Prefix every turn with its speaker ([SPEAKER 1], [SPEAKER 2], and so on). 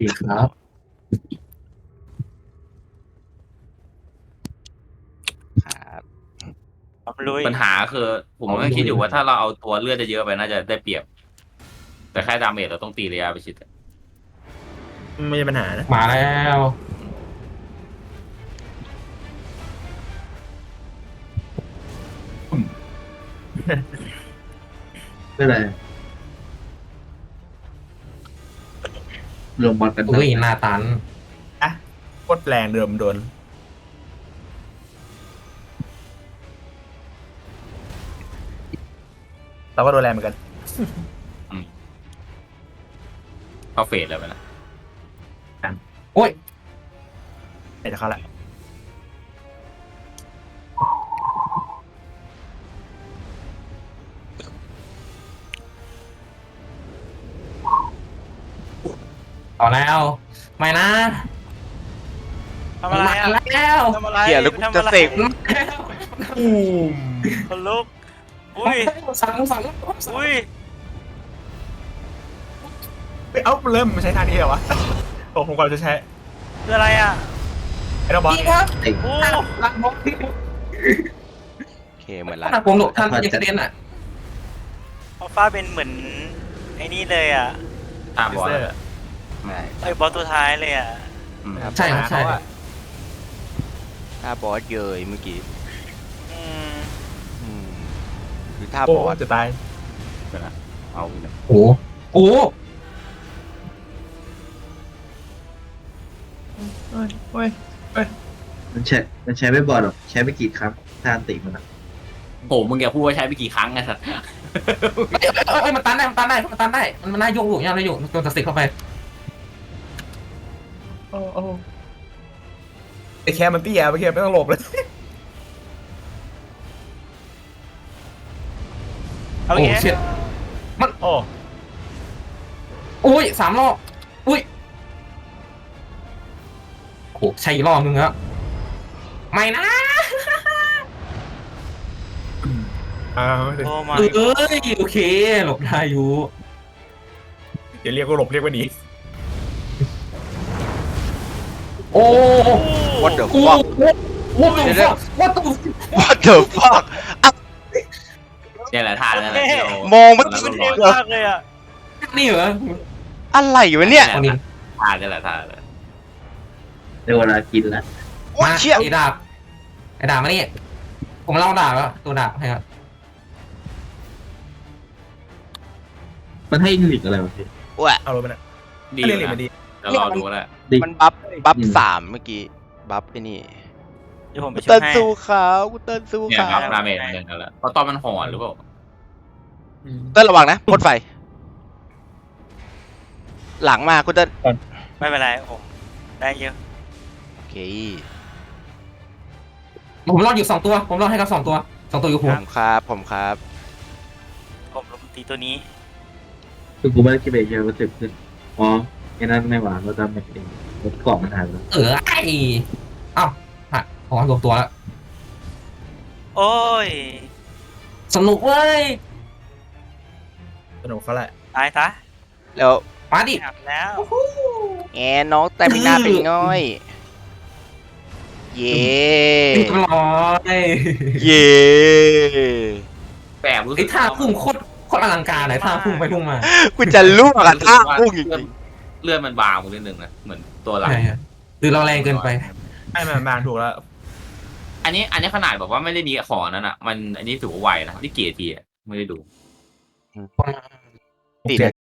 [SPEAKER 1] ดีครับ
[SPEAKER 2] ครับ
[SPEAKER 3] ลุย
[SPEAKER 4] ปัญหาคือผมก็คิดอยู่ว่าถ้าเราเอาตัวเลือดจะเยอะไปน่าจะได้เปรียบ แต่แค่ดาเมจเราต้องตีระยะประชิดอะ
[SPEAKER 5] ไม่ใช่ปัญหานะ
[SPEAKER 1] มาแล้วไม่เป็นไรรวมบอลกันอุ้ยหน้าตัน
[SPEAKER 5] โคตรแรงเดิมโดนเราก็โดนแรงเหมือนกัน
[SPEAKER 4] เข้าเฟสเลยไปนะ
[SPEAKER 1] โอ้ย
[SPEAKER 5] ไหนจะเข้าละ
[SPEAKER 1] ต่อแล้วไม่นะ
[SPEAKER 3] ทำอะไรอ่ะ
[SPEAKER 1] มาแล้ว
[SPEAKER 3] ทำอะไร
[SPEAKER 2] เหี้ยแล้วกู
[SPEAKER 3] ทำ
[SPEAKER 2] จะ
[SPEAKER 3] อะไร
[SPEAKER 2] เสก
[SPEAKER 1] อืม
[SPEAKER 3] คนลุกอุ้ย
[SPEAKER 1] สั่ง
[SPEAKER 3] อุ้ย
[SPEAKER 5] เอ้าเริ่มมาใช้ทางนี้เหรอวะโอ้ผมก่อนจะใช้
[SPEAKER 3] คืออะไรอ่ะ
[SPEAKER 5] ไอ้ดอกบอล
[SPEAKER 1] พี่ครับ
[SPEAKER 3] โอ้
[SPEAKER 1] รักบล็อกที่
[SPEAKER 2] โอเคเหมือน
[SPEAKER 1] ข
[SPEAKER 2] ร้าน
[SPEAKER 1] นาดผมหลบท่านยังกระเด็นอ่ะ
[SPEAKER 3] อัลฟาเป็นเหมือนไอ้นี่เลยอ่ะ
[SPEAKER 4] ตามบอล
[SPEAKER 5] เซอร์
[SPEAKER 4] ไม่
[SPEAKER 3] ไอ้บอสตัวท้ายเลยอ่ะ
[SPEAKER 4] อืม
[SPEAKER 1] ใช่ครับใช่
[SPEAKER 2] ท่าบอสเยยเมื่อกี้
[SPEAKER 3] อืม
[SPEAKER 2] อืมคือท่า
[SPEAKER 5] โอ้
[SPEAKER 2] บอส
[SPEAKER 5] จะตาย
[SPEAKER 4] เดี๋ยวนะเอาอีกหนึ่ง
[SPEAKER 1] โอ้โห
[SPEAKER 5] เฮ้ยเฮ้ย
[SPEAKER 6] มันใช้ไม่บ่อยหรอกใช้ไม่กี่ครั้งถ้าอันติมันอะ
[SPEAKER 4] โหมึงแกพูดว่าใช้ไปกี่ครั้งไงสัตว์
[SPEAKER 1] เอ้ยมันตันได้มันตันได้มันตันได้มันน่าโยกอยู่ยังได้อยู่โดนตัดสิทธิ์เข้าไป
[SPEAKER 5] โอ้โอ้ไอ้แคมันเตี้ยไปแคไม่ต้องหลบเลย
[SPEAKER 3] เอา
[SPEAKER 1] โอ้
[SPEAKER 3] งี้
[SPEAKER 1] เชิด
[SPEAKER 5] โอ้
[SPEAKER 1] อุ้ย3 รอบอุ้ยโอ้ใช่อีกรอบนึงแล้วไม่นะ
[SPEAKER 5] อ้าว
[SPEAKER 3] โอ้มา
[SPEAKER 1] เอ้ยโอเคหลบได้อยู่
[SPEAKER 5] เดี๋ยวเรียกว่าหลบเรียกว่าหนี
[SPEAKER 1] โอ้
[SPEAKER 2] วัดเดอะ
[SPEAKER 1] กู
[SPEAKER 2] ฟัก
[SPEAKER 1] what the fuck what the
[SPEAKER 2] What the fuck
[SPEAKER 4] เนี่ยแหละท่านั่นแหละที่เรา
[SPEAKER 2] มองไม่
[SPEAKER 4] ต
[SPEAKER 2] เห็
[SPEAKER 4] อน
[SPEAKER 2] น
[SPEAKER 4] นั้น
[SPEAKER 3] เท่
[SPEAKER 4] เรา
[SPEAKER 3] มากเลยอ่ะ
[SPEAKER 1] นี่เหรอ
[SPEAKER 2] อะไรวะเนี่ย
[SPEAKER 1] ตอนนี้
[SPEAKER 4] ท่าเนี่ยแหละท่าเลย
[SPEAKER 6] ได้เวลากินแล้ว
[SPEAKER 2] โอ้ยเชี่ย
[SPEAKER 1] ไอ้ดาบมานี่ผมเล่าดาบแล้วตัวดาบให้ครับ
[SPEAKER 6] มันให้หลีกอะไรวะพี่
[SPEAKER 2] โอ้ย
[SPEAKER 5] เอาลงไปนะ
[SPEAKER 4] ดี
[SPEAKER 5] เรียก
[SPEAKER 4] อยู่
[SPEAKER 5] หลีก
[SPEAKER 4] นะ
[SPEAKER 5] มันดี
[SPEAKER 4] เดี๋ยวรอดูก็ได้
[SPEAKER 6] ดิ
[SPEAKER 2] มันบัฟ3เมื่อกี้บัฟไอ้นี่
[SPEAKER 3] เดี๋ยวผมไป
[SPEAKER 2] กู
[SPEAKER 3] ช่ว
[SPEAKER 2] เติ้
[SPEAKER 3] ย
[SPEAKER 2] ล
[SPEAKER 3] ให้
[SPEAKER 2] สู้เขากูเติ้ลสู้
[SPEAKER 4] เนี่ย
[SPEAKER 2] เขา
[SPEAKER 4] ครับดาเมจมันยังกันแล้วเพราะตอนมันหอนหรือเปล่า
[SPEAKER 2] เติ้ลระวังนะพ่นไฟ หลังมากูเติ้ล
[SPEAKER 3] ไม่เป็นไรผมได้เยอะ
[SPEAKER 2] โอเค
[SPEAKER 1] ผมรอดอยู่2 ตัวผมรอดให้กับ2 ตัวอยู่
[SPEAKER 2] ผ
[SPEAKER 1] หัว
[SPEAKER 2] มครับผมครับ
[SPEAKER 3] ผมลงตีตัวนี้
[SPEAKER 6] คือกูไม่ได้คิดไปเยอะรู้สึกขึ้นอ๋อไอ้นั่นไม่หวานเราทำแบบเองรถกล่องมันหายไปแล้ว
[SPEAKER 1] ไอ้เอ้าฮะผมรวมตัวแล้ว
[SPEAKER 3] โอ้ย
[SPEAKER 1] สนุกเว้ย
[SPEAKER 5] สนุกเขาแหละ
[SPEAKER 3] ตายซะ
[SPEAKER 2] แล้ว
[SPEAKER 1] มาดิ
[SPEAKER 3] หักแล้ว
[SPEAKER 2] แอนน้องแต่มีหน้าเป็นง่อย เย่
[SPEAKER 1] เรียบร้อย
[SPEAKER 2] เย่
[SPEAKER 4] แบบรู้สึ
[SPEAKER 1] ไอ้
[SPEAKER 4] ก
[SPEAKER 1] ท่าพุ่งโคตรอลังการเลยท่าพุ่งไปพุ่งมา
[SPEAKER 2] กูจะลูกกับท่าพุ่งจริง
[SPEAKER 4] เลือดมันบางนิดนึงนะเหมือนตัวหลัง
[SPEAKER 1] ใช่ฮะหรือเราแรงเกินไป
[SPEAKER 5] ไม่มาบางถูกแล้ว
[SPEAKER 4] อันนี้ขนาดแบบว่าไม่ได้ดีของนั้นอ่ะ มันอันนี้ถือว่าไวนะที่เกียร์ทีอ่ะไม่ได้ดู
[SPEAKER 2] ๆติด